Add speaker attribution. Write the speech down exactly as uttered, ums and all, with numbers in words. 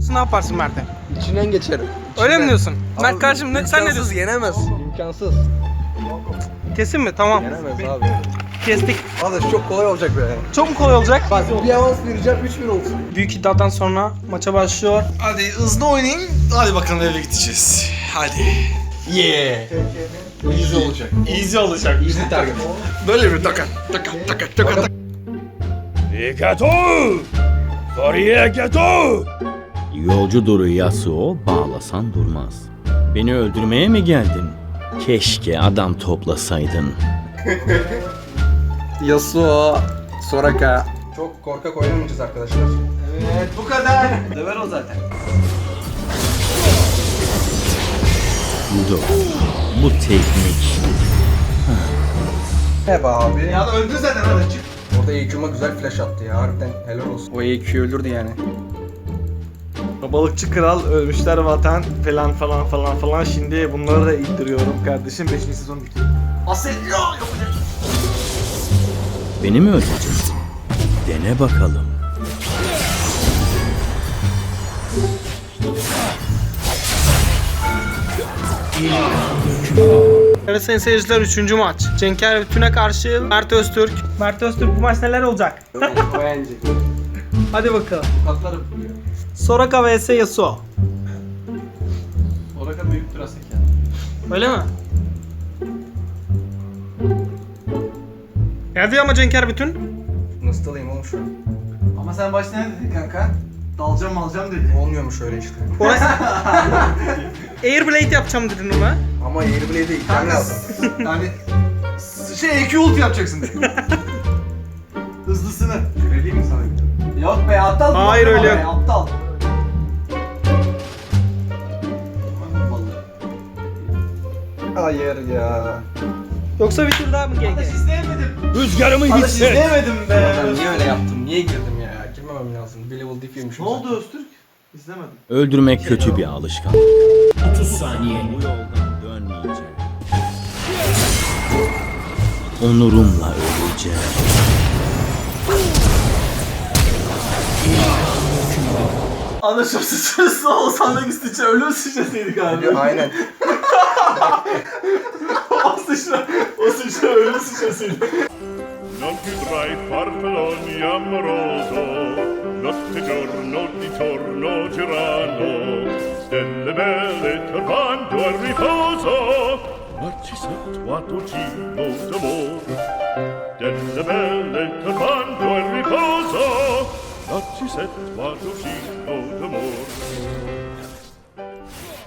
Speaker 1: ne yaparsın Mert'e?
Speaker 2: İçinden geçerim.
Speaker 1: Öyle mi diyorsun?
Speaker 2: Abi,
Speaker 1: Mert kardeşim ne, sen ne
Speaker 2: imkansız,
Speaker 1: diyorsun?
Speaker 2: yenemez. İmkansız.
Speaker 1: Kesin mi? Tamam.
Speaker 2: Yenemez abi.
Speaker 1: Kestik.
Speaker 2: Arkadaş çok kolay olacak be.
Speaker 1: Çok mu kolay olacak?
Speaker 2: Bak bir avans vereceğim üç bir olsun.
Speaker 1: Büyük iddiadan sonra maça başlıyor.
Speaker 3: Hadi hızlı oynayın. Hadi bakalım eve gideceğiz. Hadi. Yeah.
Speaker 2: Easy olacak.
Speaker 3: Easy olacak.
Speaker 2: Easy target.
Speaker 3: Böyle bir taka taka taka taka taka.
Speaker 4: Iketo! Sorieketo! Yolcudur Yasuo, bağlasan durmaz. Beni öldürmeye mi geldin? Keşke adam toplasaydın.
Speaker 2: Yasuo, Soraka. Çok korkak oynamayacağız arkadaşlar.
Speaker 3: Evet bu kadar. Döver o zaten.
Speaker 4: Dur, bu teknik.
Speaker 2: Ne be abi?
Speaker 3: Ya da öldü zaten hadi çık.
Speaker 2: Orada E Q'ma güzel flash attı ya harbiden helal olsun. O E Q öldürdü yani.
Speaker 5: Balıkçı kral, ölmüşler vatan falan falan falan falan. Şimdi bunları da indiriyorum kardeşim. beşinci sezon bitiyor.
Speaker 3: Aselyo yapacak.
Speaker 4: Beni mi öldüreceksin? Dene bakalım.
Speaker 1: Evet sayın seyirciler, üçüncü maç. Cenker Bütün'e karşı Mert Öztürk. Mert Öztürk, bu maç neler olacak?
Speaker 2: O yenecek.
Speaker 1: Hadi bakalım.
Speaker 2: Katlarım buluyor.
Speaker 1: Soraka vs Yasuo.
Speaker 3: Oraka büyüktür Asek ya.
Speaker 1: Öyle mi? Geldi ama Cenker Bütün.
Speaker 2: Nasıl alayım oğlum şu an?
Speaker 3: Ama sen başta ne dedin kanka? Dalacağım alacağım dedi.
Speaker 2: Olmuyormuş öyle işte.
Speaker 1: Orası... Airblade yapacağım dedin ona.
Speaker 2: Ama Airblade'e ilk
Speaker 3: Kanka
Speaker 2: lazım.
Speaker 3: yani s- şey E Q ult yapacaksın dedi. Hızlısını.
Speaker 2: Vereyim mi sana?
Speaker 3: Yok be aptal. mı?
Speaker 1: Hayır,
Speaker 3: Yapma
Speaker 1: öyle
Speaker 3: be,
Speaker 1: yok.
Speaker 3: Aptal.
Speaker 2: Hayır ya.
Speaker 1: Yoksa bir tur daha mı G
Speaker 3: Arkadaş
Speaker 1: G?
Speaker 3: izleyemedim.
Speaker 4: Rüzgarımı
Speaker 3: Arkadaş
Speaker 4: hisset.
Speaker 3: izleyemedim be.
Speaker 2: Ben niye öyle yaptım? Niye girdim ya? Girmemem lazım. Bir level diff yemişim.
Speaker 3: Ne oldu Öztürk? İzlemedim.
Speaker 4: Öldürmek kötü bir alışkanlık. otuz saniye. Bu yoldan dönmeyeceğim. Onurumla öleceğim.
Speaker 3: Anlaşım sıçrası olsan da gitsin ölüm sıçrasıydı galiba.
Speaker 2: Aynen.
Speaker 3: o sıçra, o sıçra ölüm sıçrasıydı.
Speaker 6: Non più tra i farfalloni amoroso, notte giorno di torno girano, stelle belle turbando al riposo, Narcisetto a Tocino d'amor. Stelle belle turbando al riposo, Narcisetto a Tocino d'amor.